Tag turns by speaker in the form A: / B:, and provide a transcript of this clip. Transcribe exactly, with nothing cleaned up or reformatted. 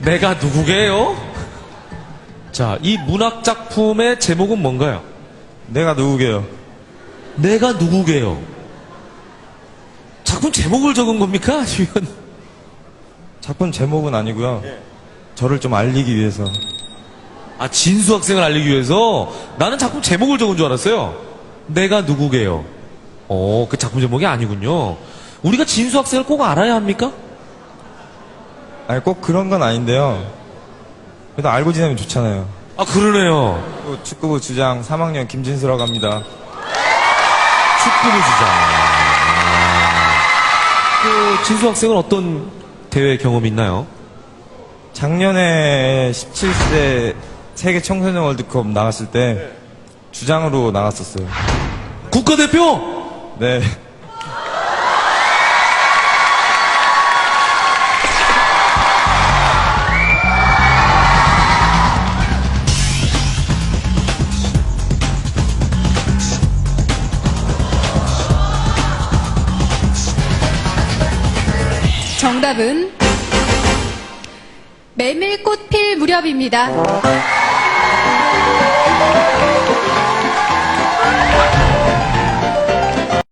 A: 내가 누구게요? 자, 이 문학 작품의 제목은 뭔가요?
B: 내가 누구게요?
A: 내가 누구게요? 작품 제목을 적은 겁니까? 아니면
B: 작품 제목은 아니고요. 저를 좀 알리기 위해서.
A: 아, 진수 학생을 알리기 위해서? 나는 작품 제목을 적은 줄 알았어요. 내가 누구게요? 어, 그 작품 제목이 아니군요. 우리가 진수 학생을 꼭 알아야 합니까?
B: 아니, 꼭 그런 건 아닌데요. 그래도 알고 지내면 좋잖아요.
A: 아, 그러네요.
B: 또 축구부 주장 삼 학년 김진수라고 합니다.
A: 축구부 주장. 그 진수 학생은 어떤 대회 경험이 있나요?
B: 작년에 십칠 세 세계 청소년 월드컵 나갔을 때 주장으로 나갔었어요.
A: 국가대표?
B: 네.
C: 정답은 메밀꽃 필 무렵입니다.